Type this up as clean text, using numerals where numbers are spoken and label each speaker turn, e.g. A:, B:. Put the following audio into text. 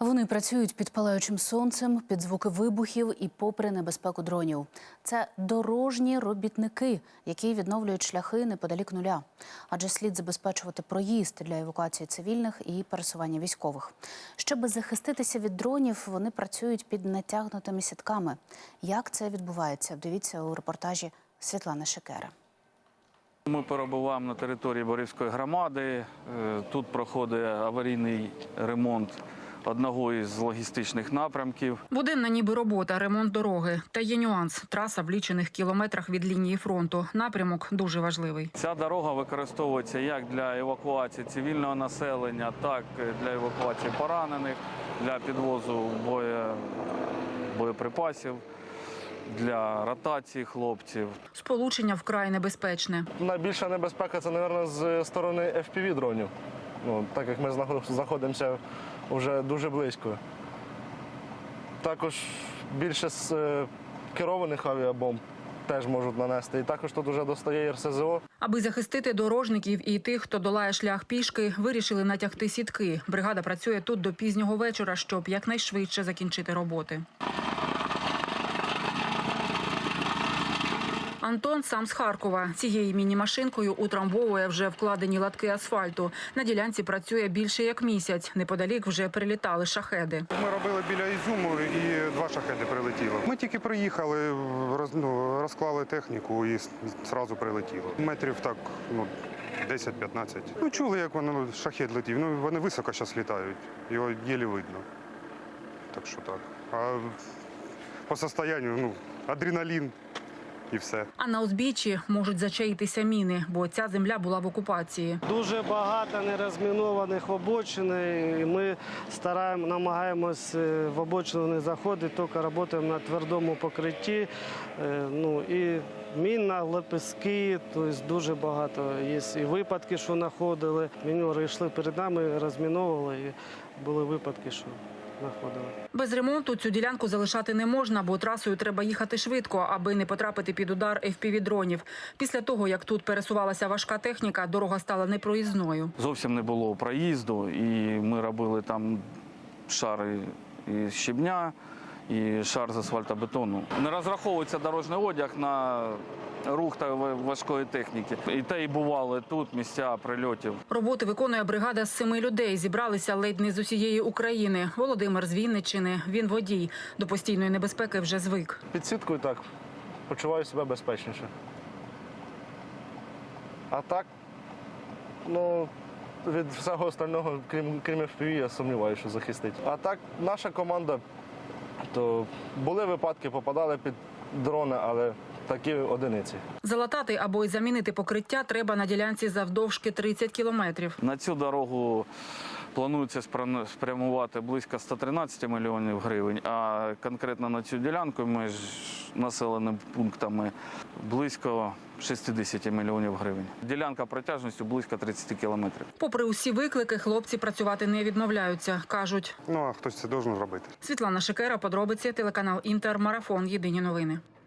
A: Вони працюють під палаючим сонцем, під звуки вибухів і попри небезпеку дронів. Це дорожні робітники, які відновлюють шляхи неподалік нуля. Адже слід забезпечувати проїзд для евакуації цивільних і пересування військових. Щоб захиститися від дронів, вони працюють під натягнутими сітками. Як це відбувається? Дивіться у репортажі Світлани Шикери.
B: Ми перебуваємо на території Борівської громади. Тут проходить аварійний ремонт одного із логістичних напрямків.
C: Буденна ніби робота, ремонт дороги. Та є нюанс – траса в лічених кілометрах від лінії фронту. Напрямок дуже важливий.
B: Ця дорога використовується як для евакуації цивільного населення, так і для евакуації поранених, для підвозу боєприпасів, для ротації хлопців.
C: Сполучення вкрай небезпечне.
D: Найбільша небезпека – це, мабуть, з сторони FPV-дронів. Так як ми знаходимося вже дуже близько. Також більше з керованих авіабомб теж можуть нанести. І також тут вже достає РСЗО.
C: Аби захистити дорожників і тих, хто долає шлях пішки, вирішили натягти сітки. Бригада працює тут до пізнього вечора, щоб якнайшвидше закінчити роботи. Антон сам з Харкова. Цією міні-машинкою утрамбовує вже вкладені латки асфальту. На ділянці працює більше як місяць. Неподалік вже прилітали шахеди.
E: Ми робили біля Ізюму і 2 шахеди прилетіло. Ми тільки приїхали, розклали техніку і одразу прилетіло. Метрів так 10-15. Чули, як шахед летів. Вони високо зараз літають, його єлі видно. Так що так. А по состоянню адреналін. І все.
C: А на узбіччі можуть зачаїтися міни, бо ця земля була в окупації.
F: Дуже багато нерозмінованих обочин, і ми намагаємось в обочину не заходити, тільки працюємо на твердому покритті. І мінна, лепестки, тобто дуже багато. Є і випадки, що знаходили. Мінери йшли перед нами, розміновували, і були випадки, що знаходили.
C: Без ремонту цю ділянку залишати не можна, бо трасою треба їхати швидко, аби не потрапити під удар FPV-дронів. Після того, як тут пересувалася важка техніка, дорога стала непроїзною.
B: Зовсім не було проїзду, і ми робили там шари із щебня і шар з асфальтобетону. Не розраховується дорожній одяг на рух та важкої техніки. І те і бували тут місця прильотів.
C: Роботи виконує бригада з 7 людей. Зібралися ледь не з усієї України. Володимир з Вінниччини. Він водій. До постійної небезпеки вже звик.
D: Під сіткою так почуваю себе безпечніше. А так, від всього остального, крім FPV, я сумніваюся, що захистить. А так, наша команда, то були випадки, попадали під дрони, але такі одиниці.
C: Залатати або й замінити покриття треба на ділянці завдовжки 30 кілометрів.
B: На цю дорогу планується спрямувати близько 113 мільйонів гривень, а конкретно на цю ділянку між населеними пунктами близько 60 мільйонів гривень. Ділянка протяжністю близько 30 кілометрів.
C: Попри усі виклики, хлопці працювати не відмовляються, кажуть.
E: А хтось це має робити.
C: Світлана Шикера, подробиці, телеканал Інтер, Марафон, Єдині новини.